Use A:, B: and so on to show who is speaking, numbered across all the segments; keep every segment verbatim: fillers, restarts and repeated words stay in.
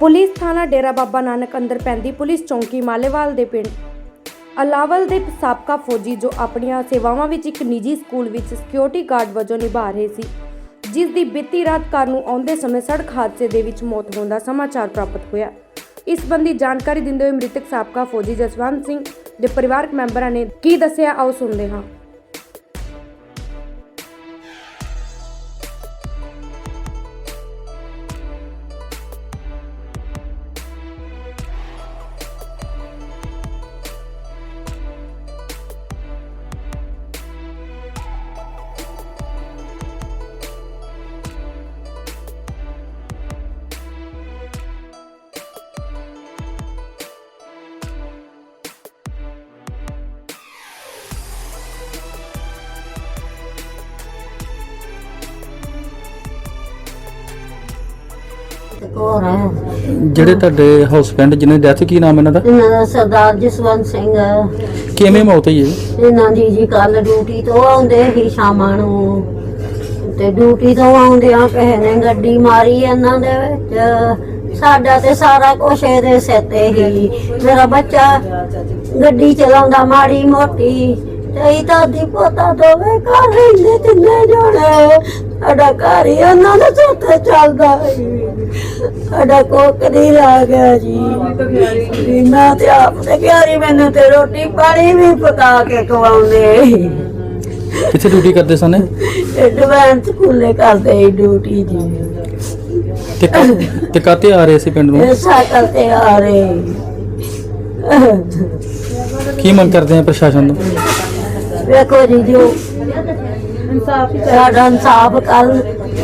A: Police थाना डेरा बाबा नानक अंदर पैंदी पुलिस चौंकी मालेवाल दे पिंड अलावल दे साबका फौजी जो अपनियां सेवावां विच एक निजी स्कूल विच सिक्योरिटी गार्ड वजों निभा रहे सी, जिस दी बीती रात घर नूं आउंदे समय सड़क हादसे दे विच मौत होण दा समाचार प्राप्त होया। इस संबंधी जानकारी दिंदे होए मृतक साबका फौजी जसवंत सिंह दे परिवारक मैंबरां ने की दस्सिया, आओ सुणदे हां।
B: ਜਿਹੜੇ ਤੁਹਾਡੇ ਹਸਬੈਂਡ ਜਿਹਨੇ ਡੈਥ ਕੀ ਨਾਮ ਇਹਨਾਂ ਦਾ?
C: ਇਹਨਾਂ ਦਾ ਸਰਦਾਰ ਜਸਵੰਤ ਸਿੰਘ।
B: ਕਿਵੇਂ ਮੌਤ ਹੋਈ ਹੈ
C: ਇਹਨਾਂ ਦੀ ਜੀ ਕੱਲ ਡਿਊਟੀ ਤੋਂ ਆਉਂਦੇ ਹੀ ਸ਼ਾਮਾਂ ਨੂੰ, ਤੇ ਡਿਊਟੀ ਤੋਂ ਆਉਂਦਿਆਂ ਕਿਸੇ ਨੇ ਗੱਡੀ ਮਾਰੀ ਇਹਨਾਂ ਦੇ ਵਿੱਚ। ਸਾਡਾ ਤੇ ਸਾਰਾ ਕੁਛ ਇਹਦੇ ਸਿਰ ਤੇ ਹੀ। ਮੇਰਾ ਬੱਚਾ ਗੱਡੀ ਚਲਾਉਂਦਾ ਮਾੜੀ ਮੋਟੀ, ਤੇ ਦਾਦੀ ਪੋਤਾ ਦੋਵੇਂ ਘਰ ਰਹਿੰਦੇ ਤਿੰਨੇ ਜਣੇ। ਸਾਡਾ ਘਰ ਹੀ ਉਹਨਾਂ ਦੇ ਸਿਰ ਤੇ ਚੱਲਦਾ ਸੀ। ਸਾਡਾ ਕੋਕ ਨਹੀਂ ਲਾ ਗਿਆ ਜੀ। ਮੈਂ ਤੇ ਆਪ ਤੇ ਪਿਆਰੀ ਮੈਨੂੰ ਤੇ ਰੋਟੀ ਪਾਣੀ ਵੀ ਪਕਾ ਕੇ ਖਵਾਉਂਦੇ।
B: ਕਿੱਥੇ ਡਿਊਟੀ ਕਰਦੇ ਸਨ?
C: ਐਡਵਾਂਸ ਸਕੂਲੇ ਕਰਦੇ ਸੀ ਡਿਊਟੀ ਜੀ।
B: ਤੇ ਤੇ ਕਾਤੇ ਆ ਰਹੇ ਸੀ ਪਿੰਡ ਨੂੰ?
C: ਸਾਈਕਲ ਤੇ ਆ ਰਹੇ।
B: ਕੀ ਮੰਗ ਕਰਦੇ ਆ ਪ੍ਰਸ਼ਾਸਨ ਤੋਂ?
C: ਵੇਖੋ ਜੀ, ਜੋ ਇਨਸਾਫ ਸਾਡਾ ਇਨਸਾਫ ਕਰ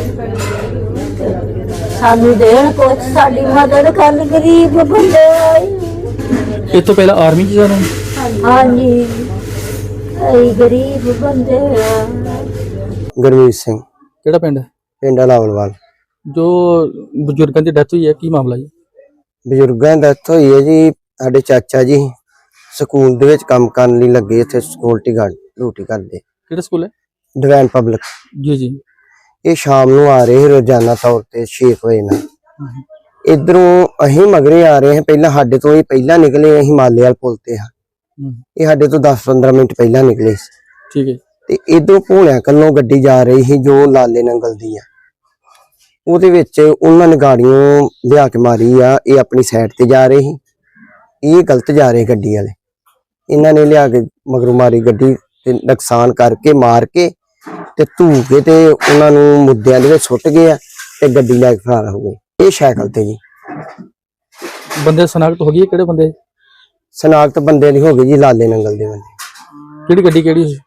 C: ਸਾਨੂੰ ਦੇਣ, ਕੁਛ ਸਾਡੀ ਮਦਦ ਕਰਨ। ਗਰੀਬ ਬੰਦੇ ਆਏ।
B: ਇਸ ਤੋਂ ਪਹਿਲਾਂ ਆਰਮੀ 'ਚ ਜਾਣਾ?
C: ਹਾਂਜੀ, ਅਸੀਂ ਗਰੀਬ ਬੰਦੇ ਆ।
D: ਗੁਰਮੀਤ ਸਿੰਘ।
B: ਕਿਹੜਾ ਪਿੰਡ?
D: ਪਿੰਡ ਲਾਵਲਵਾਲ।
B: ਜੋ ਬਜ਼ੁਰਗਾਂ ਦੀ ਡੈਥ ਹੋਈ ਹੈ, ਕੀ ਮਾਮਲਾ ਜੀ?
D: ਬਜ਼ੁਰਗਾਂ ਦੀ ਡੈਥ ਹੋਈ ਹੈ ਜੀ। ਸਾਡੇ ਚਾਚਾ ਜੀ ਸਕੂਲ ਦੇ ਵਿੱਚ ਕੰਮ ਕਰਨ ਲਈ ਲੱਗੇ, ਇੱਥੇ ਸਿਕਿਉਰਿਟੀ ਗਾਰਡ ਡਿਊਟੀ ਕਰਦੇ।
B: ਕਿਹੜਾ ਸਕੂਲ ਹੈ?
D: Divine public.
B: ਜੀ ਜੀ।
D: ਇਹ ਸ਼ਾਮ ਨੂੰ ਆ ਰਹੇ ਰੋਜ਼ਾਨਾ ਤੌਰ ਤੇ ਛੇ ਵਜੇ ਨਾਲ। ਇਧਰੋਂ ਅਸੀਂ ਮਗਰੇ ਆ ਰਹੇ ਹਾਂ। ਪਹਿਲਾਂ ਸਾਡੇ ਤੋਂ ਇਹ ਪਹਿਲਾਂ ਨਿਕਲੇ, ਅਸੀਂ ਮਾਲੇਵਾਲ ਪੁਲ ਤੇ ਹਾਂ। ਇਹ ਸਾਡੇ ਤੋਂ ਦਸ ਪੰਦਰਾਂ ਮਿੰਟ ਪਹਿਲਾਂ ਨਿਕਲੇ ਸੀ।
B: ਠੀਕ ਹੈ। ਤੇ
D: ਇਧਰੋਂ ਭੋਲਿਆਂ ਕੱਲੋਂ ਗੱਡੀ ਜਾ ਰਹੀ ਸੀ ਜੋ ਲਾਲੇ ਨੰਗਲ ਦੀ ਆ। ਉਹਦੇ ਵਿੱਚ ਉਹਨਾਂ ਨੇ ਗਾੜੀਆਂ ਲਿਆ ਕੇ ਮਾਰੀ ਆ। ਇਹ ਆਪਣੀ ਸਾਈਡ ਤੇ ਜਾ ਰਹੇ ਸੀ, ਇਹ ਗਲਤ ਜਾ ਰਹੇ ਗੱਡੀ ਵਾਲੇ। ਇਹਨਾਂ ਨੇ ਲਿਆ ਕੇ ਮਗਰੋਂ ਮਾਰੀ ਗੱਡੀ ਤੇ ਨੁਕਸਾਨ ਕਰਕੇ ਮਾਰ ਕੇ ਤੇ ਧੂ ਕੇ ਤੇ ਉਹਨਾਂ ਨੂੰ ਮੁੱਦਿਆਂ ਦੇ ਵਿੱਚ ਸੁੱਟ ਗਏ ਆ ਤੇ ਗੱਡੀ ਲੈ ਕੇ ਫਰਾਰ ਹੋ ਗਏ। ਇਹ ਸਾਈਕਲ ਤੇ ਜੀ।
B: ਬੰਦੇ ਸਨਾਖਤ ਹੋ ਗਈ? ਕਿਹੜੇ ਬੰਦੇ
D: ਸਨਾਖਤ ਬੰਦੇ ਦੀ ਹੋ ਗਈ ਜੀ, ਲਾਲੇ ਨੰਗਲ ਦੇ ਬੰਦੇ।
B: ਕਿਹੜੀ ਗੱਡੀ ਕਿਹੜੀ ਸੀ?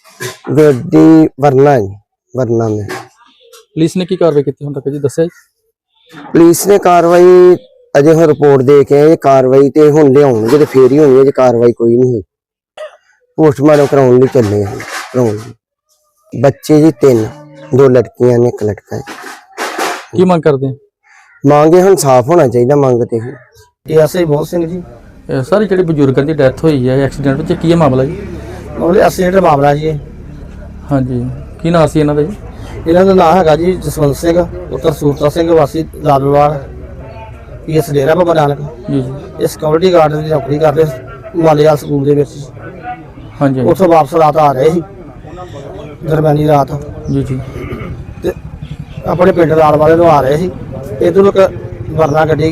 D: ਗੱਡੀ ਵਰਨਾ ਜੀ, ਵਰਨਾ ਮੈਂ।
B: ਪੁਲਿਸ ਨੇ ਕੀ ਕਾਰਵਾਈ ਕੀਤੀ ਹੁਣ ਤੱਕ ਜੀ, ਦੱਸਿਆ ਜੀ?
D: ਪੁਲਿਸ ਨੇ ਕਾਰਵਾਈ ਅਜੇ ਹੁਣ ਰਿਪੋਰਟ ਦੇ ਕੇ ਆਏ। ਕਾਰਵਾਈ ਤੇ ਹੁਣ ਲਿਆਉਣਗੇ ਤੇ ਫੇਰ ਹੀ ਹੋਣੀ ਹੈ। ਜੇ ਕਾਰਵਾਈ ਕੋਈ ਨਹੀਂ ਹੋਈ, ਪੋਸਟਮਾਰਟਮ ਕਰਾਉਣ ਲਈ ਚੱਲੇ ਆ। ਕਰਾਉਣ ਲਈ ਬੱਚੇ ਜੀ ਤਿੰਨ, ਦੋ ਲੜਕੀਆਂ ਨੇ ਇੱਕ ਲੜਕਾ ਹੈ।
B: ਕੀ ਮੰਗ ਕਰਦੇ ਆ?
D: ਮੰਗੇ ਹੁਣ ਸਾਫ਼ ਹੋਣਾ ਚਾਹੀਦਾ ਮੰਗ ਤੇ।
E: ਇਹ ਐਸਆਈ ਮੋਹਨ ਸਿੰਘ ਜੀ।
B: ਸਾਰੇ ਜਿਹੜੇ ਬਜ਼ੁਰਗਾਂ ਦੀ ਡੈਥ ਹੋਈ ਹੈ ਐਕਸੀਡੈਂਟ ਵਿੱਚ, ਕੀ ਹੈ ਮਾਮਲਾ ਜੀ?
E: ਉਹਦੇ ਐਕਸੀਡੈਂਟ ਦਾ ਮਾਮਲਾ ਜੀ।
B: ਹਾਂਜੀ, ਕੀ ਨਾਂ ਸੀ ਇਹਨਾਂ ਦਾ ਜੀ?
E: ਇਹਨਾਂ ਦਾ ਨਾਮ ਹੈਗਾ ਜੀ ਜਸਵੰਤ ਸਿੰਘ ਪੁੱਤਰ ਸੂਰਤਾ ਸਿੰਘ ਵਾਸੀ ਲਾਲਵਾਲ, ਪੀਐਸ ਡੇਰਾ ਬਾਬਾ ਨਾਨਕ।
B: ਜੀ ਜੀ।
E: ਇਹ ਸਿਕਿਉਰਿਟੀ ਗਾਰਡ ਦੀ ਨੌਕਰੀ ਕਰਦੇ ਮਾਲੇਵਾਲ ਸਕੂਲ ਦੇ ਵਿੱਚ।
B: ਹਾਂਜੀ।
E: ਉੱਥੋਂ ਵਾਪਸ ਰਾਤ ਆ ਰਹੇ ਸੀ, ਦਰਮਿਆਨੀ ਰਾਤ।
B: ਜੀ ਜੀ।
E: ਤੇ ਆਪਣੇ ਪਿੰਡ ਲਾਲ ਵਾਲੇ ਨੂੰ ਆ ਰਹੇ ਸੀ। ਇੱਧਰੋਂ ਇੱਕ ਵਰਨਾ ਗੱਡੀ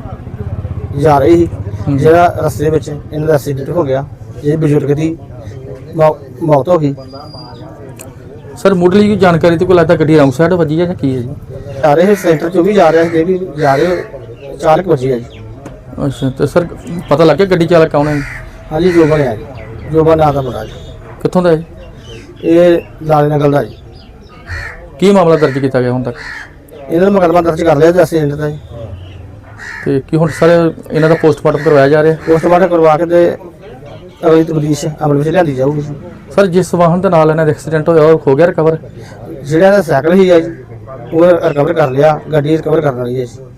E: ਜਾ ਰਹੀ ਸੀ, ਜਿਹੜਾ ਰਸਤੇ ਵਿੱਚ ਇਹਨਾਂ ਦਾ ਐਕਸੀਡੈਂਟ ਹੋ ਗਿਆ। ਇਹ ਬਜ਼ੁਰਗ ਦੀ ਮੌਤ ਹੋ ਗਈ।
B: ਸਰ ਮੁੱਢਲੀ ਕੋਈ ਜਾਣਕਾਰੀ ਤੇ ਕੋਈ ਲੱਗਦਾ ਗੱਡੀ ਰੌਂਗ ਸਾਈਡ ਵੱਜੀ ਹੈ ਜਾਂ ਕੀ ਹੈ ਜੀ?
E: ਆ ਰਹੇ ਸੈਂਟਰ ਚੋਂ ਵੀ ਜਾ ਰਿਹਾ ਸੀ, ਵੀ ਜਾ ਰਹੇ ਚਾਲਕ ਵੱਜੀ ਹੈ ਜੀ।
B: ਅੱਛਾ, ਤੇ ਸਰ ਪਤਾ ਲੱਗ ਗਿਆ ਗੱਡੀ ਚਾਲਕ ਕੌਣ ਹੈ?
E: ਹਾਂਜੀ, ਜੋਬਨ ਹੈ ਜੀ। ਜੋਬਨ ਨਾਂ ਦਾ ਮੁੰਡਾ ਜੀ।
B: ਕਿੱਥੋਂ ਦਾ ਹੈ?
E: ਇਹ ਲਾਲੇ ਨਗਲ ਦਾ ਜੀ।
B: ਕੀ ਮਾਮਲਾ ਦਰਜ ਕੀਤਾ ਗਿਆ ਹੁਣ ਤੱਕ?
E: ਇਹਨਾਂ ਦਾ ਮੁਕੱਦਮਾ ਦਰਜ ਕਰ ਲਿਆ ਜੀ ਐਕਸੀਡੈਂਟ ਦਾ ਜੀ।
B: ਤੇ ਕੀ ਹੁਣ ਸਰ ਇਹਨਾਂ ਦਾ ਪੋਸਟਮਾਰਟਮ ਕਰਵਾਇਆ ਜਾ ਰਿਹਾ?
E: ਪੋਸਟਮਾਰਟਮ ਕਰਵਾ ਕੇ ਤੇ ਅਗਲੀ ਤਬਦੀਸ਼ ਅਮਲ ਵਿੱਚ ਲਿਆਂਦੀ ਜਾਊਗੀ।
B: ਸਰ ਜਿਸ ਵਾਹਨ ਦੇ ਨਾਲ ਇਹਨਾਂ ਦਾ ਐਕਸੀਡੈਂਟ ਹੋਇਆ ਉਹ ਹੋ ਗਿਆ ਰਿਕਵਰ?
E: ਜਿਹੜਾ ਸਾਈਕਲ ਹੀ ਹੈ ਜੀ ਉਹ ਰਿਕਵਰ ਕਰ ਲਿਆ, ਗੱਡੀ ਰਿਕਵਰ ਕਰਨ ਵਾਲੀ ਹੈ ਜੀ।